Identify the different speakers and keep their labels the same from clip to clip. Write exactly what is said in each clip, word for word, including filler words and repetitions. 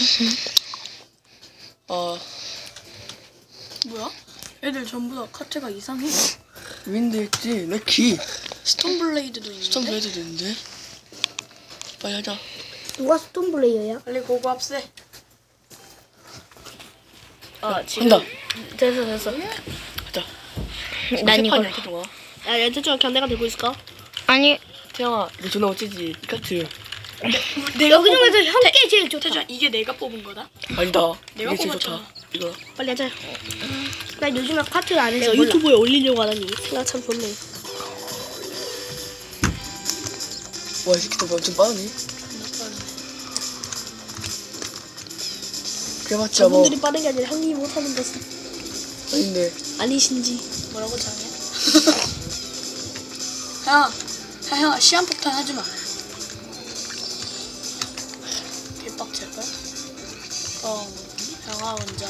Speaker 1: 어.
Speaker 2: 뭐야? 애들 전부 다 카트가 이상해.
Speaker 1: 윈드 있지? 럭키.
Speaker 2: 스톤블레이드도 있는데?
Speaker 1: 스톤블레이드도 있는데? 빨리 하자.
Speaker 3: 누가 스톤블레이어야?
Speaker 2: 빨리 고고합세. 아 지금
Speaker 1: 한다.
Speaker 3: 됐어 됐어.
Speaker 1: 하자.
Speaker 3: 난 이거.
Speaker 1: 태정아.
Speaker 3: 야 얘들아 견내가 들고 있을까?
Speaker 4: 아니
Speaker 1: 태영아, 이거 존나 멋지지? 이 카트.
Speaker 2: 내가
Speaker 3: 여기 중에서 형께 제일 좋다.
Speaker 2: 태주야 이게 내가 뽑은 거다?
Speaker 1: 아니다.
Speaker 2: 내가
Speaker 1: 이게 제일
Speaker 2: 뽑았잖아.
Speaker 1: 좋다. 이거.
Speaker 3: 빨리 하자. 나 요즘에 카트 안 해서
Speaker 4: 내가
Speaker 3: 몰라.
Speaker 4: 유튜브에 올리려고 하다니 생각 참 좋네.
Speaker 1: 와, 이 새끼들 엄청 빠르네. 그래봤자 뭐.
Speaker 4: 저분들이 빠른 게 아니라 형님이 못하는 것은
Speaker 1: 아닌데.
Speaker 4: 아니신지.
Speaker 2: 뭐라고 장해? 야, 야, 형 시한폭탄 하지 마. 개빡칠걸? 어, 형아 혼자.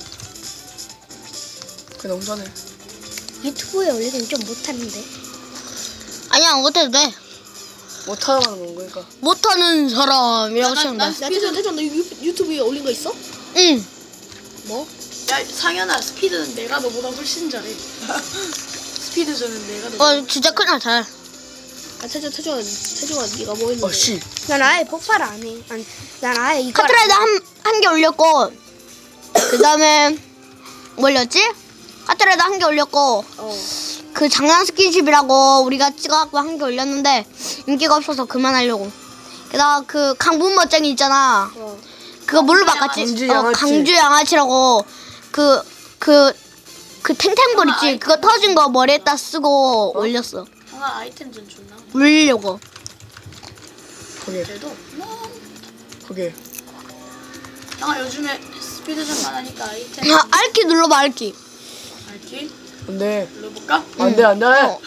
Speaker 1: 그게 너무 전에.
Speaker 3: 유튜브에 올리면 좀 못하는데.
Speaker 4: 아니야 못해도 돼.
Speaker 1: 못하는 건 거니까.
Speaker 4: 못하는 사람이라고
Speaker 2: 나-
Speaker 4: 치면
Speaker 2: 난
Speaker 4: 돼.
Speaker 2: 스-
Speaker 4: 야 태준 태준 너 유, 유튜브에 올린 거 있어? 응.
Speaker 2: 뭐? 야, 상현아, 스피드는 내가 너보다 훨씬 잘해. 스피드전은 내가 너보다.
Speaker 4: 어 진짜 큰일 잘. 아 태준 태준아 태준아 네가 뭐 했는데?
Speaker 1: 어, 씨.
Speaker 3: 난 아예 폭발 안 해. 아니, 난 아예 이거.
Speaker 4: 카트라이더 한한 개 올렸고 그 다음에 뭐 올렸지? 카트라이더 한 개 올렸고
Speaker 3: 어.
Speaker 4: 그 장난 스킨십이라고 우리가 찍어갖고 한 개 올렸는데 인기가 없어서 그만하려고. 게다가 그 강분 멋쟁이 있잖아.
Speaker 3: 어.
Speaker 4: 그거 뭘로
Speaker 2: 강주
Speaker 4: 바꿨지?
Speaker 1: 양아치.
Speaker 4: 어,
Speaker 1: 양아치.
Speaker 4: 강주 양아치라고 그 그 그 탱탱볼
Speaker 2: 아,
Speaker 4: 있지?
Speaker 2: 아이템.
Speaker 4: 그거 터진 거 머리에다 쓰고 올렸어.
Speaker 2: 형아, 아이템 전 존나.
Speaker 4: 올리려고.
Speaker 1: 거기,
Speaker 2: 그래도. 뭐.
Speaker 1: 거기.
Speaker 2: 형아, 요즘에 스피드전만 하니까 아이템.
Speaker 4: 아, 알키 눌러봐 알키.
Speaker 2: 알지?
Speaker 1: 안 돼.
Speaker 2: 눌러볼까?
Speaker 1: 안 돼, 안 돼.
Speaker 4: 어.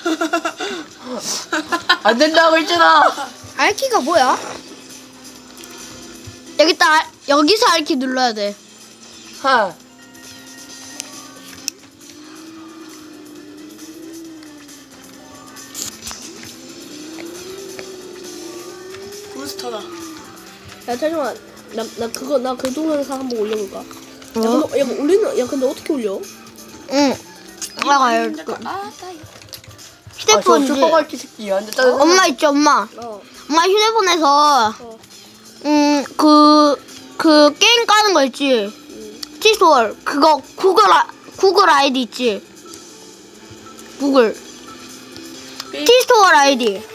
Speaker 1: 안 된다고 했잖아.
Speaker 3: 알키가 뭐야?
Speaker 4: 여기다 알- 여기서 알키 눌러야 돼.
Speaker 1: 하.
Speaker 2: 부스터다.
Speaker 4: 야 태준아 나, 나 그거 나 그 동영상 한번 올려볼까? 야
Speaker 1: 어?
Speaker 4: 근데, 야, 뭐 올리는 야 근데 어떻게 올려? 응. 아, 알
Speaker 2: 아, 따
Speaker 1: 아, 저
Speaker 4: 휴대폰이지.
Speaker 1: 슈퍼마켓 새끼. 안 돼, 짜증나.
Speaker 4: 엄마 있지 엄마.
Speaker 3: 어.
Speaker 4: 엄마 휴대폰에서
Speaker 3: 어.
Speaker 4: 음 그 그 게임 까는 거 있지. 티스월 그거 구글 아, 구글 아이디 있지. 구글 티스토어 아이디